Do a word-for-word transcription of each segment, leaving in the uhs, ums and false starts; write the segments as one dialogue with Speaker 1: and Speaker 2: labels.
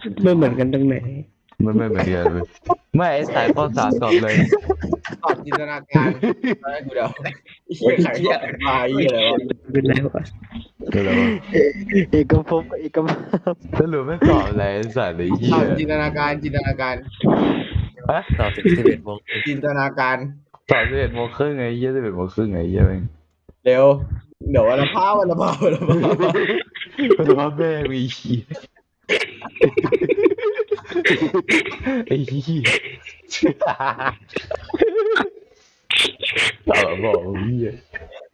Speaker 1: ไม่เหมือนกันตรงไหน
Speaker 2: มันไม่เหมือนกันเลยไม่ไอ้สายข้อสามตอบเลย
Speaker 3: ตอบจินตนาการให้กูเดาเฮียไข่เฮียมาเฮียอะไรวะ
Speaker 1: เป็นไรวะ
Speaker 2: เดี๋ยวเรา
Speaker 4: เอกภพเอกภพ
Speaker 2: สรุปไม่ตอบอะไรไอ้สายเลยเหี้
Speaker 3: ตอย บจินตนาการจินตนาการ
Speaker 2: ฮะ
Speaker 5: ตอบสิบสิบเอ็ดโมง
Speaker 3: จินตนาการ
Speaker 2: ตอบสิบเอ็ดโมงครึ่งไงเหี้ยสิบเอ็ดโมงครึ่งไงเหี้ยแม่ง
Speaker 3: เร็วเดี๋ยววันละพาวันละพาวันละพา
Speaker 2: แต่ว่าแม่งมีขี้ยไอ้เหี้ยตอบบอกเหี้ย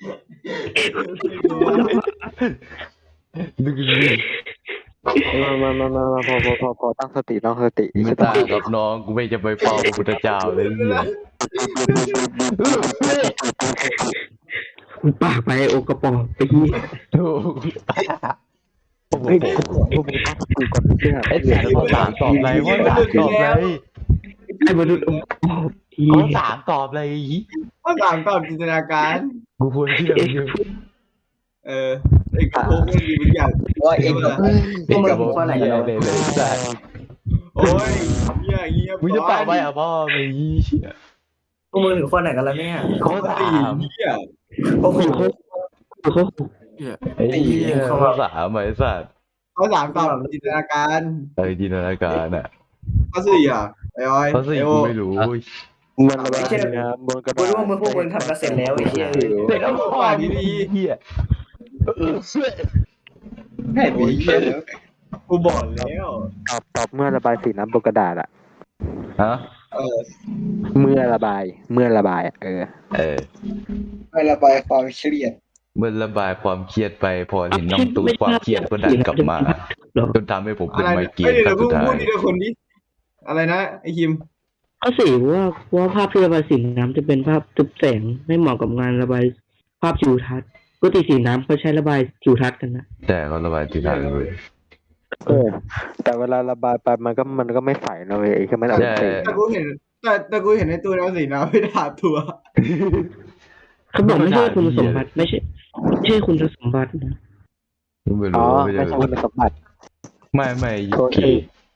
Speaker 2: นึกดูดิ
Speaker 4: มามามามามาพอพอพอพอตั้งสติตั้งสติ
Speaker 2: ไม่ต่างกับน้องกูไม่จะไปเฝ้าพระพุทธเจ้าเลยเหี้ย
Speaker 1: ปากไปโอกระป๋องไปที่
Speaker 2: ถูก
Speaker 4: เฮ้ยพวกมึงตั้งสติก่อนเพื่อน
Speaker 2: ไอ้สายข้อสามตอบอะไรข้อสามตอบอะไร
Speaker 1: ไอ้มนุษย์โอกระป๋องที่
Speaker 2: ข้อสามตอบอะไร
Speaker 3: ข้อสามตอบจินตนาการ
Speaker 2: กูควรเชื่อมึง
Speaker 3: เออไอ้กระโปรงมันมีบางอย่าง
Speaker 6: ว่าเองก็
Speaker 2: เด็กกับผมเหี้ยเลยเลยสาย
Speaker 3: โอ้ยเฮียเฮีย
Speaker 2: มึงจะตอบไปอ่ะพ่อไม่ยี่เชี่ย
Speaker 6: พวกมึงถึงคนไหนกันแล้วเนี่ย
Speaker 2: ข้อสา
Speaker 3: สี่
Speaker 2: ม
Speaker 3: เฮีย
Speaker 6: พวกมึง
Speaker 1: เขา
Speaker 2: ไอ้เหี้ยข้อสามไอ้สัตว์
Speaker 3: ข้อสามตอบจินตนาการ
Speaker 2: เออจินตนาการอ่ะ
Speaker 3: ข้อสี่อ่ะไอ้ออย
Speaker 2: ข้อสี่
Speaker 3: ไอ้โอ
Speaker 2: กูไม่รู้
Speaker 4: มันระบายน้ำบนกระ
Speaker 6: กู
Speaker 4: ดาษ
Speaker 6: รู้ว่ามึงพวกมึงทำกันเสร็จแล้วไอ้เหี้ย
Speaker 2: เด็กกับพ่อดีเหี้ย
Speaker 6: ให้ไปเหี้ย
Speaker 3: กูบอกแล้ว
Speaker 4: ตอบตอบเมื่อระบายสีน้ำบนกระดาษอะ
Speaker 2: ฮะ
Speaker 3: เออ
Speaker 4: เมื่อระบายเมื่อระบายอะเออ
Speaker 2: เออ
Speaker 6: ไม่ระบายความเครียด
Speaker 2: เมื่อระบายความเครียดไปพอเห็นน้องตูนความเครียดก็ดันกลับมาจนทำให้ผมเป็
Speaker 3: อะ
Speaker 2: น
Speaker 3: ไร
Speaker 2: ไม
Speaker 3: เนี่ย
Speaker 2: เกร
Speaker 3: เอ้ย
Speaker 2: น
Speaker 3: เดี๋
Speaker 2: ค
Speaker 3: ย
Speaker 2: รั้
Speaker 3: ว
Speaker 2: ง
Speaker 3: พู
Speaker 2: สุ
Speaker 3: ด
Speaker 2: ดท้าย
Speaker 3: พูดทีละคนดิอะไรนะไอ้คิม
Speaker 1: ข้อสี่ว่าว่าภาพที่ระบายสีน้ำจะเป็นภาพทึบแสงไม่เหมาะกับงานระบายภาพทิวทัศน์ปกติสีน้ำเขาใช้ระบายทิวทัศน์กันนะ
Speaker 2: แต่ก็ระบายที่ทางเลย
Speaker 4: เออ แต่เวลาระบายไปมันก็มันก็ไม่ใสนะเว้ยแค่มันเอาสี
Speaker 3: แต่กูเห็นแต่แต่กูเห็นในตัวเอาสีน้ำไม่ได้ถาดตัว
Speaker 1: เขาบอกไม่ใช่คุณสมบัติไม่ใช่ไม่ใช่คุณสมบัตินะ
Speaker 2: ไม่
Speaker 4: อ๋
Speaker 2: รู้
Speaker 4: อ
Speaker 2: ไม่
Speaker 4: ไม่
Speaker 2: ได้
Speaker 4: ใช่คุณสมบัติ
Speaker 2: ไม่ไม่ยุ
Speaker 4: โทษที
Speaker 2: กิ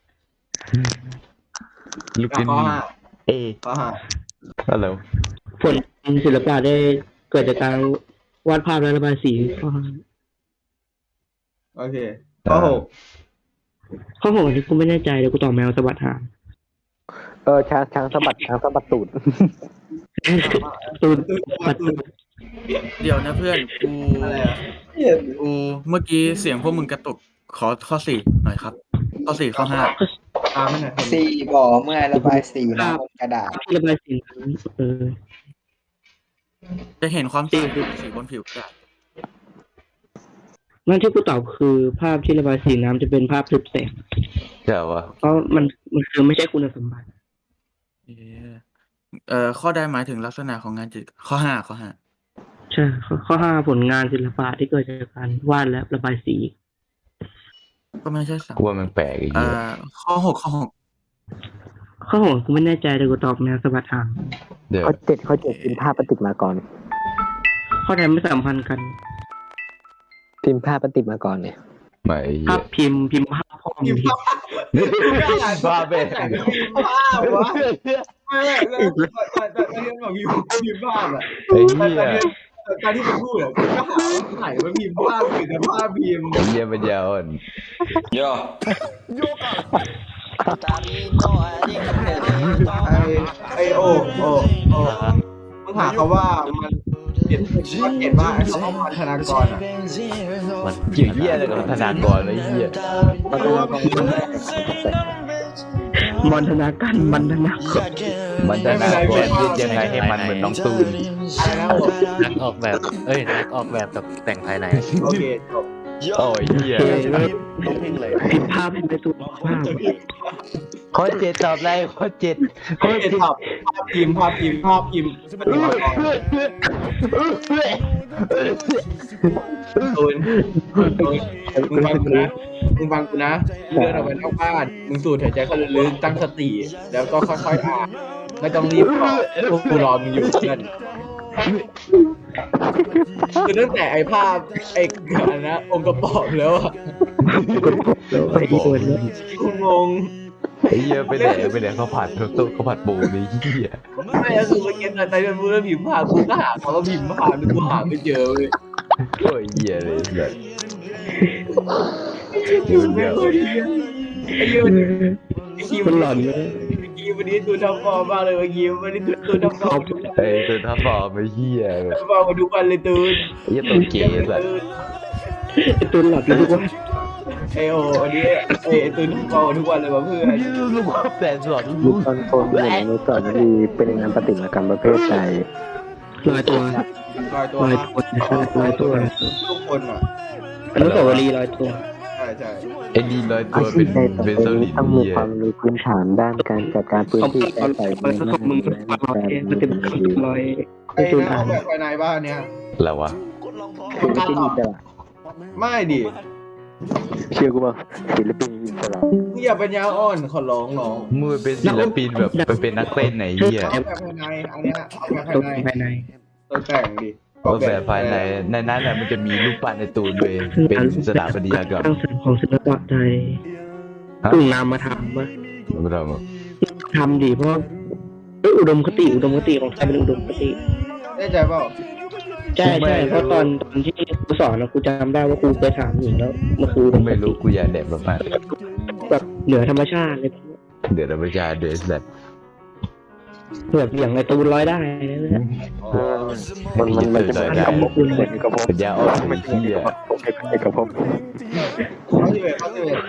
Speaker 2: ลูกกิน
Speaker 3: ข้อห้า
Speaker 2: เอ
Speaker 3: ข้อห้า
Speaker 2: อะไร
Speaker 1: ผลศิลปะได้เกิดจากการวาดภาพและระบายสีข้อห้า
Speaker 3: โอเคข้อหก
Speaker 1: ข้อหกอันนี้กูไม่แน่ใจเดี๋ยวกูตอบแมวสะบัดหาง
Speaker 4: เออช้างช้างสะบัดช้างสะบัดตูด
Speaker 1: ตูน
Speaker 3: ตัว
Speaker 1: ปัด
Speaker 3: ตัว
Speaker 7: เดี๋ยวนะเพื่อนกู
Speaker 3: อะไรอ่ะ
Speaker 7: กูเมื่อกี้เสียงพวกมึงกระตุกขอข้อสี่หน่อยครับ ข้อสี่ข้อห้า
Speaker 3: ตามไม่หน่อยคน
Speaker 6: สี่บ่อเมื่อระบายสีน้ำบนกระดาษ
Speaker 1: ภาพที่ระบายสีน้ำเออ
Speaker 7: จะเห็นความใสของสีบนผิวกระดาษ
Speaker 1: นั่นที่กูตอบคือภาพที่ระบายสีน้ำจะเป็นภาพทึบแสง
Speaker 2: ใช่ปะ
Speaker 1: เพราะมันมันคือไม่ใช่คุณสมบัติ
Speaker 7: เอ่อเอ่อข้อใดหมายถึงลักษณะของงานจิตรข้อห้าข้อห้า
Speaker 1: ใช่ข้อข้อห้าผลงานศิลปะที่เกิดจากการวาดและระบายสี
Speaker 7: ก็ไม่ใช่สัง
Speaker 2: กูว่ามันแปลกไอ้
Speaker 7: เอ่
Speaker 2: เหี้ย
Speaker 7: อข้อหกข้อหก
Speaker 1: ข้อหกกูไม่แน่ใจแต่กูตอบแมวสะบัดหาง
Speaker 2: เดี๋ยว
Speaker 4: ข้อเจ็ดข้อเจ็ดพิมพ์ภาพปฏิมากร
Speaker 1: ข้อใดไม่สัมพันธ์กัน
Speaker 4: พิมพ์ภาพปฏิมากรเนี่ย
Speaker 2: ไม่ไอ้เหี้
Speaker 1: ภาย พพิมพ์พิมพ์ภาพพ่อม
Speaker 3: พิมพ์
Speaker 1: พิม
Speaker 3: ภา
Speaker 1: พ์
Speaker 3: พ
Speaker 2: บ้าเบ้
Speaker 3: พิมพ์ภาพวะไม่ไม่แล้วแต่แต่แต่เรื่องของพิมพ์พิมพ์ภาพอ่ะ
Speaker 2: ไอ้
Speaker 3: แต่
Speaker 2: เหี้ย
Speaker 3: แต่ตอนที่มันพูดอ่ะกูก็หาว่าถ่ายมันพิมพ์ภาพคือแต่ภาพพิมพ์
Speaker 2: ไอ้เหี้ยปัญญาอ่อน
Speaker 3: ไอไอโอโอโอมึงหาเขาว่ามันเขียนมันเขียนว่าไอ้คำว่าพันธนากรอ่ะ
Speaker 5: มัน
Speaker 2: เกี่ยวเหี้ยอะไรกับธนากรไอ้เหี้ย
Speaker 4: มันก็ว่ามัน
Speaker 1: มอนธนาการมันธนาการ
Speaker 2: มันธนากรพูดยังไงให้มันเหมือนน้องตูน
Speaker 3: อะไรนะผม
Speaker 5: นักออกแบบ เอ้ยนักออกแบบกับแต่งภายใน
Speaker 3: โอเคจบ
Speaker 2: โอ้ยเหี้ย
Speaker 1: พิมพ์ภาพพิมพ์ในตัวภาพ
Speaker 2: ข้อเจ็ดตอบอะไรข้อเจ็ดข้อ
Speaker 3: เขีย
Speaker 2: เจ็
Speaker 3: น
Speaker 2: ด
Speaker 3: ภาพภาพพิมพ์ภาพพิมพ์ภาพพิมพ์ปฏิมากรตูนตูนมึงฟังกูนะมึงฟังกูนะมึงเดินออกไปนอกบ้านมึงสูดหายใจเข้าลึกๆตั้งสติแล้วก็ค่อยๆอ่านไม่ต้องรีบตอบกูรอมึงอยู่เพื่อนคือตั้งแต่ไอ้ภาพไอ้อะไรนะองค์กระป๋องแล้วอะ
Speaker 1: แล้วไอ้อีตัวนี้
Speaker 3: กูงง
Speaker 2: ไอ้เหี้ยไปไหนไปไหนเขาผัดเขาต้เขาผัดปูนี่เหี้ย
Speaker 3: ไม่ก็คือเมื่อกี้ตอนใจเป็นพูดแล้วพิมพ์ผ่านกูก็หาเขาก็พิมพ์ผ่านกูหาไม่เจอเลย
Speaker 2: โอ้ยเหี้ยเลยแบบ
Speaker 3: คิวไม่เคยดีไอ้คิวไอ้คิว
Speaker 1: มันหลอนเลย
Speaker 3: ไอ้คิววันนี้ตัวทำฟอร์มมากเลยไอ้คิววันนี้ตัวตัวทำฟอร์มทุกวัน
Speaker 2: ไอ้ตัวทับฟอร์มไอ้เหี้ยแบบ
Speaker 3: ทำฟอร์มมาทุกวันเลยตูน
Speaker 2: ไอ้เหี้ยตัวเก๋แบบ
Speaker 1: ไอ้ตัวหลอนทุกวัน
Speaker 3: ไอโอวันนี้ไอ้ตูนทำฟอร์มมาทุกวันเลยว่ะเพื่อน
Speaker 2: ลูกแฟนสอน
Speaker 4: ยุคตอนโฟนเหมือนในสอนดีเป็นงานปฏิมากรรมประเภทใด
Speaker 1: ลอยตัว
Speaker 3: ลอยตัว
Speaker 1: ลอยตัวลอยตัว
Speaker 3: ทุกคนอ่ะ
Speaker 1: อนุสาวรีย์ลอยตัว
Speaker 3: ใช่ใช่
Speaker 2: ไอ้นี่ลอยตั
Speaker 4: อาว ชี
Speaker 2: เป็
Speaker 4: พ
Speaker 2: น
Speaker 4: ใดต่อ
Speaker 2: เป็น
Speaker 4: ไป
Speaker 2: โซลิ
Speaker 4: นี้
Speaker 2: ด
Speaker 4: ต้องมี
Speaker 2: เหี้ย
Speaker 4: ความรู้พื้นฐานด้านการจัดการพื้น
Speaker 1: ของ
Speaker 4: ที่
Speaker 1: เพื่อน
Speaker 4: แก้
Speaker 1: ตอน
Speaker 4: ไข
Speaker 1: ลอยมึงมาลอยมันจะลอย
Speaker 3: ไอ้
Speaker 1: ตัว
Speaker 3: นะ
Speaker 1: อ่า
Speaker 3: อน อกแบบภายในบ้านเนี้ย
Speaker 2: แล้ววะ
Speaker 4: ศิลปินอิสระ
Speaker 3: ไม่ดิ
Speaker 4: เชื่อกูป่ะศิลปินอิสระ
Speaker 3: มึงอย่าเป็นยาอ่อนขอร้องน้อง
Speaker 2: มือเป็นศิลปินแบบไปเป็นนักเต้นไหนเหี้ย
Speaker 3: ออกแบบภายในอันเนี้ยออกแบบ
Speaker 1: ตัว
Speaker 3: ภายใน
Speaker 1: ภายใน
Speaker 3: ตัวแต่งดิ
Speaker 2: ออกแบบภายในในนั้นน่ะมันจะมีรูปปั้นในตูนเลยเป็นสถาปัตยกรรม
Speaker 1: สร้างสรรค์ของศิลปะไทย
Speaker 2: ฮะ
Speaker 1: ตุ่งนามมาทำปะ
Speaker 2: ไม่ได้มา
Speaker 1: ทำดีเพราะเอ้ยอุดมคติอุดมคติของไทยเป็นอุดมคติ
Speaker 3: ได้ใจเปล่า
Speaker 1: ใช่ใช่เพราะตอนตอนที่ครูสอนนะครูจำได้ว่าครูเคยถามอยู่แล้วมันคืออุดมค
Speaker 2: ไม่
Speaker 1: ติ
Speaker 2: รู้กูอยากแดดมาก
Speaker 1: แบบเหนือธรรมชาติเลย
Speaker 2: ๆเดี๋ยวเราไปจาเดสแบบ
Speaker 1: แบบอย่างไอตูนร้อยได้นะเนี่ย
Speaker 4: มันมันมันจะเป็นเอกภพเป็นเอกภพ
Speaker 2: ปัญญาอ่อนไอ้เหี้ย
Speaker 4: เอกภพ
Speaker 3: เขาจะเป็นเขาจะเป็น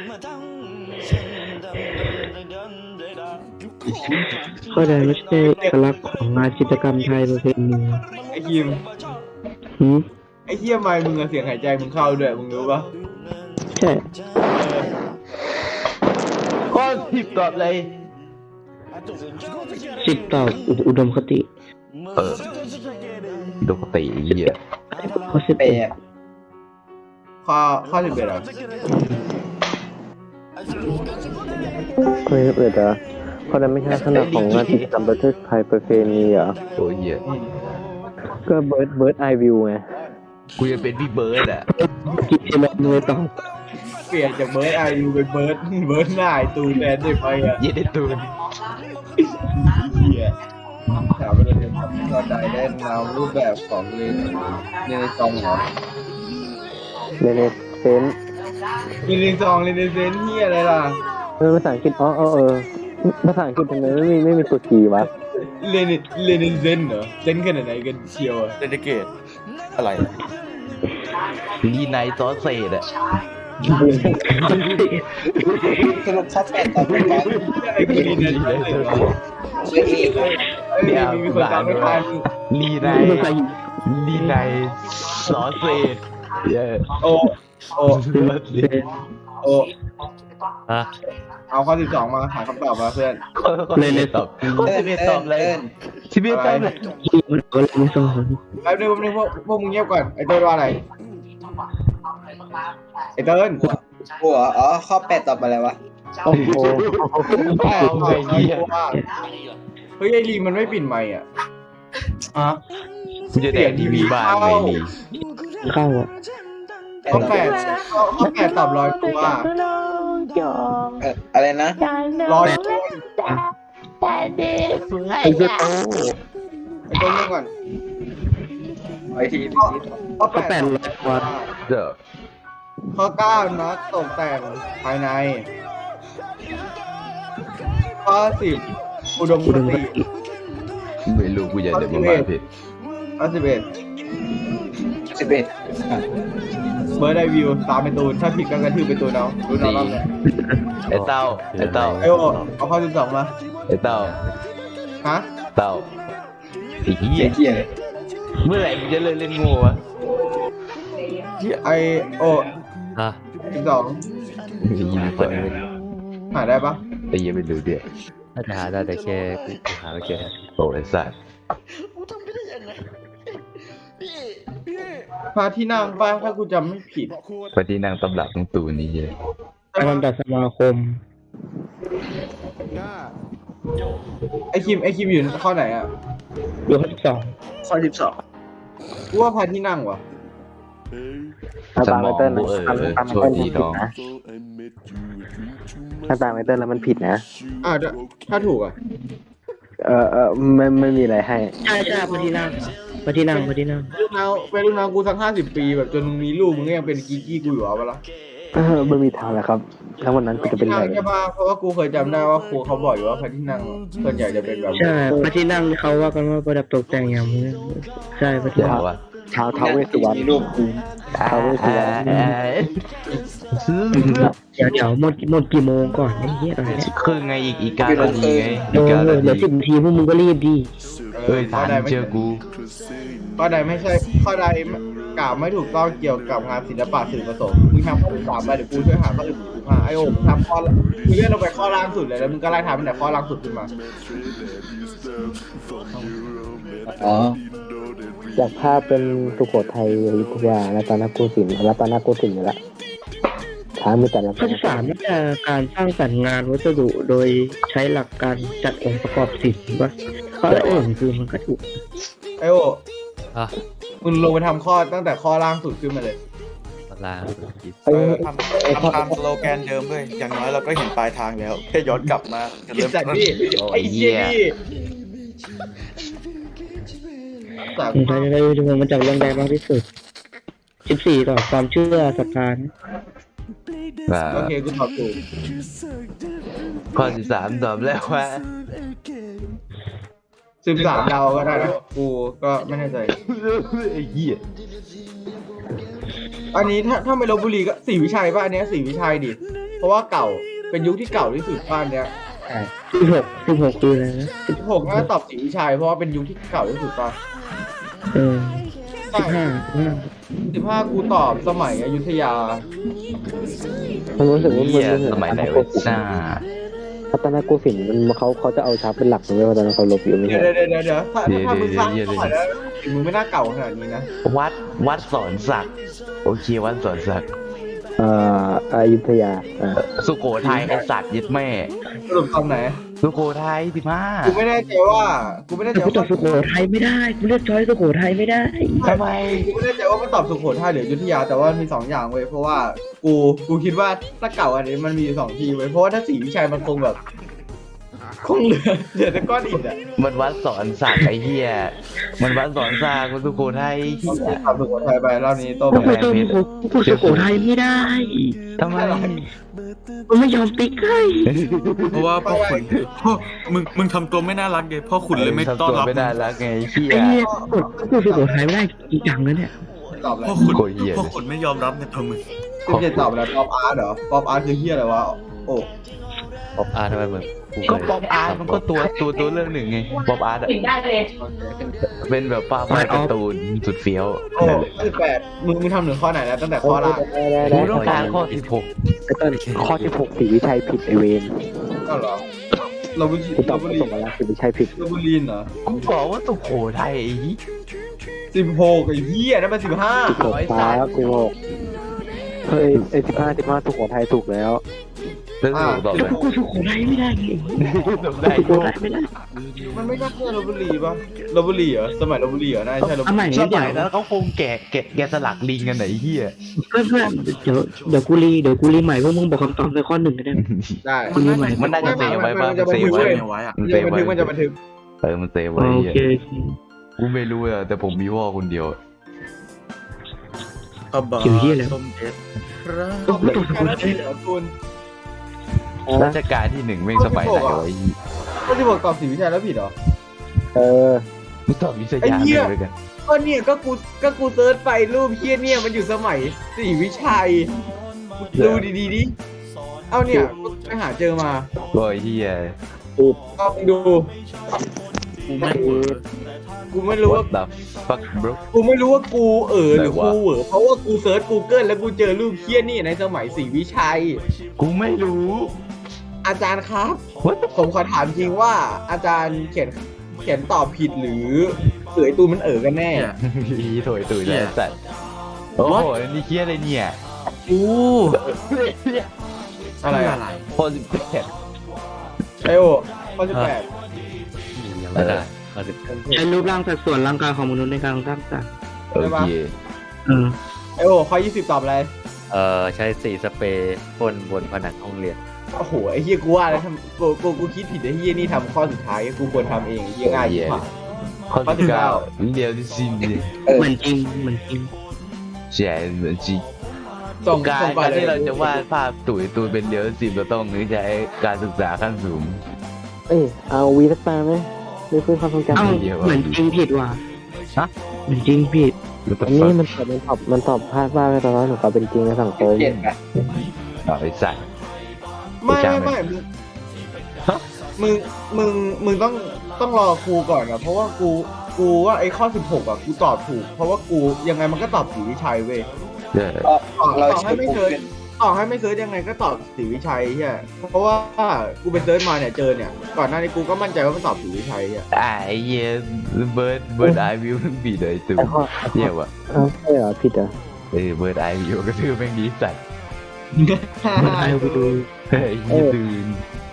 Speaker 1: ก็ได้ไม่ใช่เอกลักษณ์ของงานจิตรกรรมไทยประเพณี
Speaker 3: ไอ้คิม
Speaker 1: หืม
Speaker 3: ไอ้เหี้ยไม่มึงอะเสียงหายใจมึงเข้าด้วยมึงรู้ปะ
Speaker 1: ใช่
Speaker 2: ข้อสิบตอบเลย
Speaker 1: สิบต่ออุอุดมคติ
Speaker 2: เออปกติไอ้เหี้ย
Speaker 1: ข้อสิบ
Speaker 6: เป
Speaker 1: เอ็ด
Speaker 6: ย์
Speaker 3: ข้อข้อสิบเอ็ดอะ
Speaker 4: เคยเปิดเหรอเพราะนั้นไม่ใช่ขนาดของงานกิจกรรมประเทศไทยประเพณีเหรอ
Speaker 2: โอ้ยเหี้ย
Speaker 4: ก็เบิร์ดเบิร์ดไอวิวไง
Speaker 2: กูจะเป็นพี่เบิร์ดอ่ะ
Speaker 1: กิจเอ็มเมย์ตอบ
Speaker 3: เปลี่ยนจากเบิร์ดไอยูเป็นเบิร์ดเบิร์ดหน้าไอตูนแทนได้ไปอะ
Speaker 2: เย็ดได้ตูน
Speaker 3: เหี้ยถามว่าเราจะทำก็ได้ได้นำรูปแบบของเรนเรนซองเหรอ
Speaker 4: เรเนเซน
Speaker 3: เรนซองเรนเซนเหี้ยอะไรล่ะ
Speaker 4: เออภาษาอังกฤษอ๋อเออเออภาษาอังกฤษทำไมไม่มีไม่มีตัวจีวะ
Speaker 3: เรนเรนเซนเหรอเซนขนาดไหนกันเชียวอะ
Speaker 5: เดนเกตอะไร
Speaker 2: ลีไนซอสเซดอ่ะ
Speaker 6: สรุปข้อแปดตอบไปกัน
Speaker 3: อะไรกันเรนเซนเลยวะ
Speaker 6: ชื่อเอก
Speaker 3: ไอ้ยมีมีคนตามไม่ทัน
Speaker 2: ลีไน
Speaker 1: ภาษาหิน
Speaker 2: ลีไนซอสเซดเย้
Speaker 3: โอโอโอ
Speaker 5: ฮะ
Speaker 3: เอาข้อสิบสองมาหาคำตอบมาเพื่อน
Speaker 2: เลยเลยตอบข้อสิบเอ็ดตอบเลยสิบเอ็ดตอบเลย
Speaker 1: ที่มันก็เลยไม่สอน
Speaker 3: แป๊บนึงแป๊บนึงพวกพวกมึงเงียบก่อนไอ้เติ้ลว่าอะไรไอ้เติ้ล
Speaker 6: หัวอ๋อข้อแปดตอบอะไรวะ
Speaker 4: โอ้โห
Speaker 2: พ่อไอ้เหี้ย
Speaker 3: เฮ้ยไอ้ลีมันไม่ปิดไมค์อ่ะอ่ะ
Speaker 2: กูจะแดกทีวีบ้านไงลี
Speaker 1: เข้าอ่ะ
Speaker 3: ข้อแปดข้อแปดตอบลอยตัว
Speaker 6: เอออะไรนะ
Speaker 3: ลอย
Speaker 1: ไอ้เจ้าโต
Speaker 3: ไอ้เติ้ลเงียบก่อน
Speaker 6: ไอทีพี
Speaker 3: ข้อ
Speaker 1: ก็
Speaker 3: แป
Speaker 1: แป
Speaker 3: ด
Speaker 1: ดร้อยกว่า
Speaker 2: เด้อ
Speaker 3: ข้อเก้านัดตกแต่งภายในข้อสิบอุดมค
Speaker 1: อุดมค
Speaker 3: ติ
Speaker 1: ติ
Speaker 2: ไม่รู้กูจะเดินมาบ้านผิด
Speaker 3: ข้อสิบเอ็ด
Speaker 6: สิบเอ็ด
Speaker 3: เบิร์ดไอวิวตามเป็นตูนถ้าผิดก็กระทืบเป็นตูนเอาดูน้องรอบเลย
Speaker 2: ไอ้เต้าไอ้เต้า
Speaker 3: ไอโอเอาข้อสิบสองมา
Speaker 2: ไอ้เต้า
Speaker 3: ฮะ
Speaker 2: เต้าไอ้เหี้
Speaker 6: เหี้
Speaker 2: ย
Speaker 6: ยเหี้ยเลย
Speaker 2: เมื่อไหร่มึงจะเลิกเล่นงูวะ
Speaker 3: ไอโอ
Speaker 5: ฮะ
Speaker 3: สิบสอง
Speaker 2: ไอ้เหี้ยเปิด
Speaker 3: หาได้ปะ
Speaker 2: ไอ้เหี้ยไม่รู้เดี๋ยว
Speaker 5: น่าจะหาได้แต่แค่กูหาไม่เจอ
Speaker 2: โอ้ไอ้สัส
Speaker 3: พาที่นั่งป้าถ้ากูจำไม่ผิด
Speaker 2: ปฏินางตำรับของตูนี่เหี้ย
Speaker 1: การลำดับสมาคม
Speaker 3: ไอคิมไอคิมอยู่ข้อไหนอ่ะ
Speaker 1: อยู่ข้อสิบสอง
Speaker 6: ข้อสิบสอง
Speaker 3: กูว่าพาที่นั่งวะ
Speaker 4: ถ้า
Speaker 2: ส
Speaker 4: ตาม
Speaker 2: ม
Speaker 4: ไอ
Speaker 2: อง
Speaker 4: เติ้ล
Speaker 2: กู
Speaker 4: นะ
Speaker 2: เออ
Speaker 4: ตามตามไอ
Speaker 2: โชค
Speaker 4: เติ้ล
Speaker 2: ดี
Speaker 4: ผิด
Speaker 2: น้อง
Speaker 4: นะถ้าตามไอเติ้ลแล้วมันผิดนะ
Speaker 3: อ่าถ้าถูกอ่ะ
Speaker 4: เออเออไม่ไม่มีอะไรให้
Speaker 1: ใช่ใช่พอดีนั่งพอดีนั่งพอดีนั่ง
Speaker 3: ลูกน้องเป็นลูกน้องกูสักห้าสิบปีแบบจนมึงมีลูกมึงก็ยังเป็นกิ๊กกี้กูอยู่เอาปะล่ะ
Speaker 4: เออไม่มีทางแล้วครับ แล้ววันนั้นกูจะเป็น
Speaker 3: ที่
Speaker 4: ไร
Speaker 3: นั่งใช่ปะเพราะว่ากูเคยจำได้ว่าครูเขาบอกอยู่ว่าพระที่นั่งส่วนใหญ่จะเป็นแบบ
Speaker 1: ใช่พอดีนั่งเขาว่ากันว่าประดับตกแต่งอย่างนี้ใช่พอดี
Speaker 2: เดี๋ยว
Speaker 1: นั่ง
Speaker 2: ว่า
Speaker 4: เท้าเท้าเวสสุวรรณ
Speaker 6: มีรูปกู
Speaker 4: ท้าวเวสสุวรรณ
Speaker 1: เดี๋ยวเดี๋ยวหมดหมดกี่โมงก่อนไอ้เหี้ยอะไรเนี่ย
Speaker 2: ครึ่งไงอีกอีกเก้านาทีไง
Speaker 1: เอ
Speaker 2: อีก
Speaker 1: อ
Speaker 2: เก้านา
Speaker 1: เหลือ
Speaker 2: ที
Speaker 1: สิบนาทีพวกมึงก็รีบดี
Speaker 2: เอ้ยทานเชื่อกู
Speaker 3: ข้อใดไม่ใช่ข้อใดกล่าวไม่ถูกต้องเกี่ยวกับงานศิลปะสื่อผสมมึงทำข้อที่สามไปเดี๋ยวกูช่วยหาข้ออื่นกูหาไอโอมทำข้อมึงเลื่อนลงไปข้อล่างสุดเลยแล้วมึงก็ไล่ทำตั้งแต่ข้อล่างสุดขึ้นมา
Speaker 6: อ๋อ
Speaker 4: จากภาพเป็นสุโขทัยอยุธยารัตนโกสินทร์รัตนโกสินทร์นี่แหละช้างมีแต่ละ
Speaker 1: ข้อที่สามน่าจะการสร้างสรรค์งานวัสดุโดยใช้หลักการจัดองค์ประกอบศิลป์ว่าข้ออื่นคือมันก็ถูก
Speaker 3: ไอโอ
Speaker 5: อ่ะ
Speaker 3: มึงลงไปทำข้อตั้งแต่ข้อล่างสุดขึ้นมาเลย
Speaker 5: ลาคิด
Speaker 4: เอ้ย
Speaker 8: ทำทำตามสโลแกนเดิมด้วยอย่างน้อยเราก็เห็นปลายทางแล้วแค่ย้อนกลับมาจะ
Speaker 3: ไอ
Speaker 8: เริ่ม
Speaker 3: สัตว์
Speaker 8: ต้น
Speaker 3: นี่ไอเชี่ยนี่สาม
Speaker 1: ผมจะได้ดูมันจากเรื่องใดมากที่สุดสิบสี่ต่อความเชื่อศรัทธา
Speaker 2: ว่า
Speaker 3: โอเคกูตอบถูก
Speaker 2: ข้อที่สามตอบแล้วว่า
Speaker 3: สิบสามเดาก็ได้นะกูก็ไม่แน่ใจ
Speaker 2: ไอ้เหี้ย
Speaker 3: อันนี้ถ้าถ้าไม่ลบบุรีก็สีวิชัยป่ะอันเนี้ยสีวิชัยดิเพราะว่าเก่าเป็นยุคที่เก่าที่สุดบ้านเนี้ย
Speaker 1: สิบหกสิบหกคืออะไรนะ
Speaker 3: สิบหกน่าจะตอบสีวิชัยเพราะว่าเป็นยุคที่เก่าที่สุดป่ะ
Speaker 1: เออสิบห้าห้า
Speaker 3: สิบห้ากูตอบสมัยอยุธยา
Speaker 4: ผมรู้สึกว่ามัน
Speaker 2: เหี้ย
Speaker 4: มันเหมือน
Speaker 2: สมัยไหนวะจ้า
Speaker 4: รัตนโกสินทร์มันเขาเขาจะเอาช้างเป็นหลักเลยว่าตอนนั้นเขาลบอยู่ไม่
Speaker 3: เดี๋ย
Speaker 4: ใช่
Speaker 3: วเดี๋ยวเดี๋ยวเดี๋ยวถ้าถ้ามึงสร้างสมัยแล้วมึงไม่น่าเก่าขนาดนี้นะ
Speaker 2: วัดวัดสอนศักดิ์โอเควัดสอนศักดิ์
Speaker 4: เอ่ออยุธยาอ่า
Speaker 2: สุโขทัยไอสัตว์ยึดแม่
Speaker 3: สรุปตอนไหน
Speaker 2: สุโขทัยสิมา
Speaker 3: กูไม่แน่ใจว่ากูไม่แน่ใจ
Speaker 1: แต่กูตอบ
Speaker 3: ว่า
Speaker 1: สุโขทัยไม่ได้กูเลือกช้อยสุโขทัยไม่ได้
Speaker 2: ทำไม
Speaker 3: กูไม่แน่ใจว่ามันตอบสุโขทัยหรืออยุธยาแต่ว่ามีสองอย่างเว้ยเพราะว่ากูกูคิดว่าถ้าเก่าอันนี้มันมีสองทีเว้ยเพราะว่าถ้าสีวิชัยมันคงแบบคงเหลือเหลือแต่ก้อนอิฐอะ
Speaker 2: มันวัดสอนศักดิ์ไอ้เหี้ยมันวัดสอนศักดิ์มันสุโขทัยเหี้ย
Speaker 3: ตอบสุโขทัยไปรอบนี้โต
Speaker 1: กู
Speaker 3: ไป
Speaker 1: ตอบกูสุโขทัยไม่ได้
Speaker 2: ทำไม
Speaker 1: กูไม่ยอมติ๊กให้
Speaker 7: เพราะว่าพ่อขุนพ่อมึงมึงทำตัวไม่น่ารักเลยพ่อขุนเลยไม่ต้อนรับ
Speaker 2: ไม่ได้รักไงเหี้ย
Speaker 1: ไอ้เนี่ยกดกูสุโขทัยไม่ได้จริงจังนะเนี่ย
Speaker 3: ตอบอะไร
Speaker 7: พ่อขุน
Speaker 2: โคตรเหี้ย
Speaker 7: พ่อขุนไม่ยอมรับในตัวมึง
Speaker 3: สิบเจ็ดตอบแล้วป๊อปอาร์ตเหรอป๊อปอาร์ตคือเฮียอะไรวะโอ้
Speaker 5: ป๊อปอาร์ทำไมมึง
Speaker 2: ก็ป๊อปอาร์ตมันก็ตัวตัวตัวเรื่องหนึ่งไงป๊อปอาร์ตอะเป็นแบบป้าป้าการ์ตูนสุดเฟี้ยว
Speaker 3: โอ้สิบแปดมึงมึงทำถึงข้อไหนแล้วตั้งแต่ข้อล่าง
Speaker 4: ได้ได้
Speaker 2: กู
Speaker 4: ได้
Speaker 2: ต้องการข้อสิบหก
Speaker 4: ไอ้ต้นข้อที่หกสีวิชัยผิดไอเวน
Speaker 3: ก็เหรอเราบุรี
Speaker 4: กูตอบ
Speaker 3: เราบุ
Speaker 4: มา
Speaker 3: รี
Speaker 4: ส่งมาแล้วสีวิชัยผิด
Speaker 3: เราบุรีเหรอ
Speaker 2: กูบอกว่าสุโขทัยไอ้เหี้ย
Speaker 3: สิบหกไอ้เหี้ยนั่นเป็นสิบห้า
Speaker 4: สิบหกฟ้าสิบหกเฮ้ยไอสิบห้าสิบห้าสุโขทัยถูกแล้ว
Speaker 2: แล้วสุโขตอบ
Speaker 1: แล้ว
Speaker 2: เลย
Speaker 1: กูสุโขทัยไม่ได้ไง
Speaker 2: ตอบได้
Speaker 1: สุโขทัยไม่ได้
Speaker 3: มันไม่น่าเชื่อเราบุรีป่ะเราบุรีเหรอสมัยเราบุรีเหรอน่าใช่เรา
Speaker 1: เอาใหม่
Speaker 2: ส
Speaker 1: เดี๋
Speaker 2: มั
Speaker 1: ย
Speaker 2: ยว นั้นเขาคงแกะแกะแกะสลักลิงกันไหนเหี้ย
Speaker 1: เพื่อนเพื่อนเดี๋ยวเดี๋ยวกูรีเดี๋ยวกูรีใหม่พวกมึงบอกคำตอบในข้อหนึ่งก็ได้
Speaker 3: ได้
Speaker 1: กูรีใหม่
Speaker 2: มันน่าจะเซฟไว้ป่ะ
Speaker 3: มันจะ
Speaker 2: เซฟไว้
Speaker 7: เอาไว้อะ
Speaker 2: มันเซ
Speaker 3: เรื่อง
Speaker 2: ฟ
Speaker 3: บัน
Speaker 2: ไว้
Speaker 3: ทึกมันจะบันทึก
Speaker 2: เออมันเซฟไว้
Speaker 1: โอ
Speaker 2: เหี้ย
Speaker 1: เค
Speaker 2: กูไม่รู้อะแต่ผมมีพ่อคนเดียว
Speaker 7: กระบะ
Speaker 1: เกี่ยวเหี้ยอะไร
Speaker 7: ส้มเด็ดรัก
Speaker 1: ก็กูตอบสุโขทัย
Speaker 3: เหรอคุณ
Speaker 2: ราชการที่หนึ่งแม่งสมัยไหนวะไอ้เหี้ย
Speaker 3: ก็ที่บอกตอบสีวิชัยแล้วผิดเหรอ
Speaker 4: เออ
Speaker 2: มึงตอบวิท
Speaker 3: ไอ้
Speaker 2: ยา
Speaker 3: เหี้ย
Speaker 2: เลยกัน
Speaker 3: ก็เนี่ยก็กูก็กูเซิร์ชไปรูปเฮียเนี่ยมันอยู่สมัยสีวิชัยดูดีๆดิเอาเนี่ยกูไปหาเจอมา
Speaker 2: ก็ไอ้เหี้ย
Speaker 3: เอาไปดู
Speaker 7: กูไม่เวิร์ก
Speaker 3: กูไม่รู้ว่า
Speaker 2: What the fuck bro
Speaker 3: กูไม่รู้ว่ากูเออหรือ
Speaker 2: ไหนวะ
Speaker 3: กูเหอเพราะว่ากูเซิร์ช Google แล้วกูเจอรูปเฮี้ยนี่ในสมัยศรีวิชัย
Speaker 2: กูไม่รู้
Speaker 3: อาจารย์ครับ
Speaker 2: What the
Speaker 3: ผมขอถามจริงว่าอาจารย์เขียนเขียนตอบผิดหรือเอ๋ยตูนมันเอ๋อกันแน่
Speaker 7: เนี่ย
Speaker 2: อีโถยตุ๋ยเลยสัตว์โอ้โหนี่เคี้ยอะไรเนี่ย
Speaker 7: อู้
Speaker 3: อะไร
Speaker 7: คือ
Speaker 3: อะ
Speaker 7: อะไร
Speaker 2: พอสิบแปด
Speaker 3: ไอโอข้อสิบแปด
Speaker 5: ยังไม่ได้มาสิบ
Speaker 1: ใช้รูปร่างสัดส่วนร่างกายของมนุษย์ในการสร้างสรรค์
Speaker 2: โอเค
Speaker 1: เออ
Speaker 3: ไอ้โอ้ข้อยี่สิบตอบอะไร
Speaker 5: เอ่อใช้สีสเปรย์พ่นบนผนังห้องเรียน
Speaker 3: โอ้โหไอ้เฮียกูว่าแล้วทำกูกูกูคิดผิดไอ้เฮียนี่ทำข้อสุดท้ายกูควรทำเองไอ้เฮียง่ายยิ่งกว่า
Speaker 2: ข้อ
Speaker 3: ข้อที่
Speaker 2: ที่เก้า
Speaker 3: เก้า
Speaker 2: เรียวที่สิบเนี่ย
Speaker 1: เหมือนจริงเหมือนจริง
Speaker 2: ใช่เหมือนจริง
Speaker 3: ส่ง
Speaker 2: การ
Speaker 3: ส่งก่อน
Speaker 2: การ
Speaker 3: เลย
Speaker 2: ที่เราจะวาดภาพตุ๋ยตูนเป็นเรียวที่สิบเราต้องใช้การศึกษาขั้นสูง
Speaker 4: เอ้ยเอาวีสักตาไหมไม่ฟื้นความทรงจำ
Speaker 1: เอ้า
Speaker 2: เดี๋ยว
Speaker 1: เหมือนจริงผิดว่ะ
Speaker 2: ฮะ
Speaker 1: เหมือนจริงผิด
Speaker 4: อันนี้มันตอบมันตอบมันตอบพลาดว่าไม่ตอนนั้นหนูตอบเป็นจริงในสังคม
Speaker 6: เจ็ดไป
Speaker 2: ต่อไอ้สัตว์
Speaker 3: ไม่ไม่ไม่มึงมึงมึงมึงต้องต้องรอครูก่อนนะเพราะว่ากูกูว่าไอ้ข้อสิบหกอ่ะกูตอบถูก เพราะว่ากูยังไงมันก็ตอบศรีวิชัยเว้ย
Speaker 2: เออ
Speaker 6: ก็
Speaker 3: ต่อ
Speaker 6: เรา
Speaker 3: ต่อ
Speaker 6: เชิ
Speaker 3: ให้
Speaker 6: ญ
Speaker 3: ไม่
Speaker 6: กู
Speaker 3: เซิร์ช
Speaker 6: ขึ้น
Speaker 3: ต่อให้ไม่เซิร์ชยังไงก็ตอบศรีวิชัยใช่เพราะว่ากูไปเซิร์ชมาเนี่ยเจอเนี่ยก่อนหน้านี้กูก็มั่นใจว่ามันตอบศรีวิชัยอ่ะ
Speaker 2: อ่าไอ้เหี้ยเบิร์ดเบิร์ดไอวิวบีเลยตู
Speaker 4: แต่ข้อ
Speaker 2: เหี้ยวะ
Speaker 4: เอ้าใช่เหรอผิดเหรอ
Speaker 2: เออเบิร์ดไอวิวก็คือแม่งดีสัตว์
Speaker 1: มันเอาไปดู
Speaker 2: เฮ้ยยี่ตื่น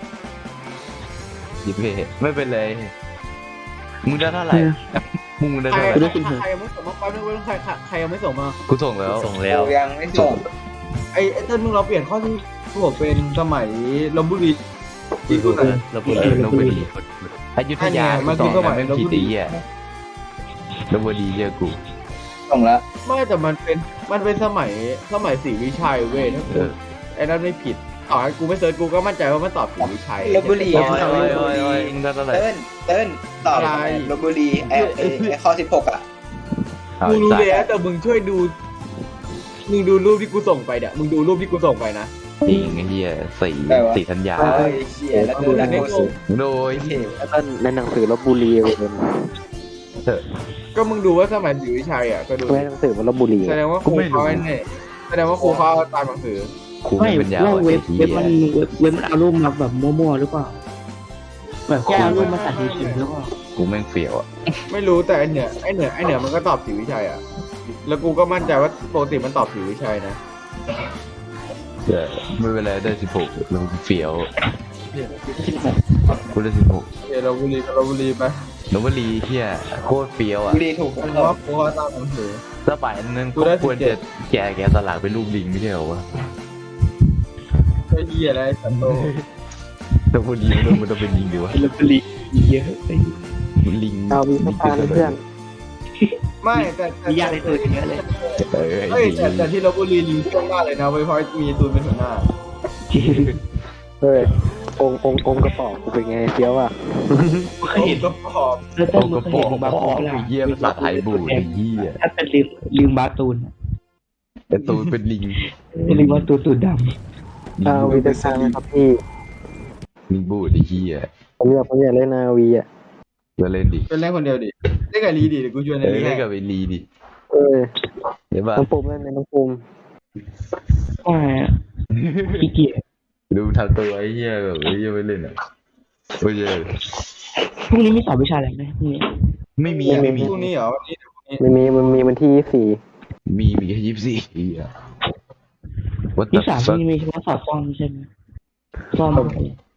Speaker 2: ยิบเพ่ไม่เป็นไรมึงได้เท่าไหร่มึงได้
Speaker 3: ใคร
Speaker 2: เท่าไหร่
Speaker 3: ใครยังไม่ส่งมาแป๊บนึงเว้ยใครใครยังไม่ส่งมา
Speaker 2: กูส่งแล้ว
Speaker 5: ส่งแล้ว
Speaker 6: กูยังไม่ส่ง
Speaker 3: ไอ้ไอ้เต้นมึงเราเปลี่ยนข้อที่ผมเป็นสมัยลบบุรี
Speaker 5: ที่พูดเลยเราพูด
Speaker 2: เอ
Speaker 5: เลย
Speaker 2: อลบบุรีอยุธยา
Speaker 3: อันเนี้ยมัน
Speaker 2: ส
Speaker 3: คือ อง สมั
Speaker 2: นะ
Speaker 3: ย
Speaker 2: แม่ง
Speaker 3: ลพ
Speaker 2: ผิด
Speaker 3: บุรี
Speaker 2: ไอ้เหี้ยลบบุรีเยอะกู
Speaker 6: ส่งแล้ว
Speaker 3: ไม่แต่มันเป็นมันเป็นสมัยสมัยศรีวิชัยเว้ยถ้า
Speaker 2: เอ
Speaker 3: กู
Speaker 2: อ
Speaker 3: ไอ้นั่นไม่ผิดต่อให้กูไม่เซิร์ชกูก็มั่นใจว่ามันตอบศรีวิชัย
Speaker 6: ลบบุรี
Speaker 2: โอ้ยโอ้ยโอ้ยโอ้ยมึงได้เท่าไหร่
Speaker 6: เติ้ลเติ้ลตอบ
Speaker 3: อะไร
Speaker 6: ลบบุรีไอ้ไอ้ไอ้ข้อสิบหกอ่ะ
Speaker 2: เอา
Speaker 3: กู
Speaker 2: ไอ้
Speaker 3: รู้
Speaker 2: สัต
Speaker 3: แล้ว
Speaker 2: ว์
Speaker 3: แต่มึงช่วยดูมึงดูรูปที่กูส่งไปเนี่ยมึงดูรูปที่กูส่งไปนะ
Speaker 2: จริงไอ้เหี้ยสี่สี่ธัญญา
Speaker 6: เอ้ยเชี่ยแล้วดูแล้ว
Speaker 3: ไม่
Speaker 6: กู
Speaker 3: ส่ง
Speaker 2: โดย
Speaker 6: เท่
Speaker 4: แล้วก็ในหนังสือลบบุรีเลย
Speaker 3: ก็มึงดูว่าสมัยศรีวิชัยอ่ะก็ดู
Speaker 4: ไม่หนังสือมันลบบุรี
Speaker 3: แสดงว่าครูเขาไอ้เนี่ยแสดงว่าครูเขาเอาตามหนังสือ
Speaker 2: ครู
Speaker 1: ไม่
Speaker 2: ไม่เป็นยาว
Speaker 1: แล้ว
Speaker 2: ไอ้
Speaker 1: เว็บ
Speaker 2: เหี้
Speaker 1: เว็บมัน
Speaker 2: ย
Speaker 1: เว็บเว็บมันเอารูปมาแบบมั่วๆหรือเปล่าแบบแค่เอารูปมาตัดเฉยๆหรือเปล่า
Speaker 2: กูแม่งเฟี้ยวอ่ะ
Speaker 3: ไม่รู้แต่ไอ้เหนือไอ้เหนือไอ้เหนือมันก็ตอบศรีวิชัยอ่ะแล้วกูก็มั่นใจว่าปกติมันตอบศรีวิชัยนะ
Speaker 2: เออไม่เป็นไรได้สิบหกแล้วกูเฟี้ยวกูได้สิบหก
Speaker 3: เดี๋ยวเราบุรีเราบุรีไป
Speaker 2: ลบบุรีเหี้ยโคตรเฟี้ยวอ่ะ
Speaker 6: บุรีถูก
Speaker 3: เพ
Speaker 6: ต้อง
Speaker 3: ราะว่าครูเขาตามหนังสือ
Speaker 2: สมัยนั้น
Speaker 3: กู
Speaker 2: ก็
Speaker 3: ได้
Speaker 2: ควร
Speaker 3: สิบเจ็
Speaker 2: จะ
Speaker 3: ด
Speaker 2: แกะแกะสลักเป็นรูปลิงไม่ใช่เหรอวะ
Speaker 3: ไอ้เหี้ยอะไรสันโต
Speaker 2: ลบบุรีมันต้องมันต้องเป็นลิงดีวะ
Speaker 1: ลบบุรีเยอะไป
Speaker 2: ลิง
Speaker 4: เอาวีสักตาเพื่อน
Speaker 3: ไม่แต่แต่
Speaker 1: มียากในตัวเยอะเลย
Speaker 2: เออไอ้
Speaker 3: เอ้ย
Speaker 2: ลิง
Speaker 3: แต่แต่ที่ลบบุรีลิงช่วงหน้าเลยนะเว้ยเพราะมีตูนเป็นหัวหน้า
Speaker 1: จริง
Speaker 4: เฮ้ยองค์องค์องค์กระป๋องกูเป็นไงเฟี้ยวอ่ะ
Speaker 1: เคยเห็น
Speaker 3: ก็พอ
Speaker 1: แล้ว
Speaker 2: โอ้
Speaker 1: ต้น
Speaker 2: ก
Speaker 1: มึ
Speaker 2: ระ
Speaker 1: งเคย
Speaker 2: ป๋อ
Speaker 1: เห็นบาง
Speaker 2: พ่อ
Speaker 1: คน
Speaker 2: ไอ้เหี้ยภาษาไทยบูดไอ้เหี้ย
Speaker 1: ถ้าเป็นลิงลิงบาตูน
Speaker 2: แต่ตูนเป็นลิง
Speaker 1: เป็นลิงบาตูนตูดด
Speaker 4: เอาวีสักตาไหมครับพี่
Speaker 2: ลิงบูดไอ้เหี้ย
Speaker 4: ผมอยากผมอยากเล่นนาวีอ่ะ
Speaker 2: จะเล่นดิ
Speaker 3: เป็นเล่นคนเดียวดิเล่นกับลีดิเดี๋ยวกูชวน
Speaker 2: เอ
Speaker 3: ใน
Speaker 2: อ
Speaker 3: ลี
Speaker 2: เล่
Speaker 3: ให้
Speaker 2: นกับไอ้ลีดิ
Speaker 4: เอ้ย
Speaker 2: เห็นป่ะ
Speaker 4: น้องปุ่มเล่นไหมน้องปุ่ม
Speaker 1: ำว่าขี้เกียจ
Speaker 2: ดูทำตัวไอ้เหี้ยแบบไอ้เหี้ยไม่เล่นอ่ะโอ้ย
Speaker 1: พรุ่งนี้มีสอบวิชาอะไรไหมพรุ่งนี้
Speaker 2: ไม่มีไม่มี
Speaker 3: พรุ่งนี้เหรอวันนี้
Speaker 4: มันมีมันมีวันที่ยี่สิบสี่
Speaker 2: มีมีแค่ยี่สิบสี่อ่ะ What
Speaker 1: ที่
Speaker 2: the
Speaker 1: สามพรุ่ง
Speaker 2: fuck
Speaker 1: นี้มีเฉพาะสอบซ่อมใช่ไหมซ่อม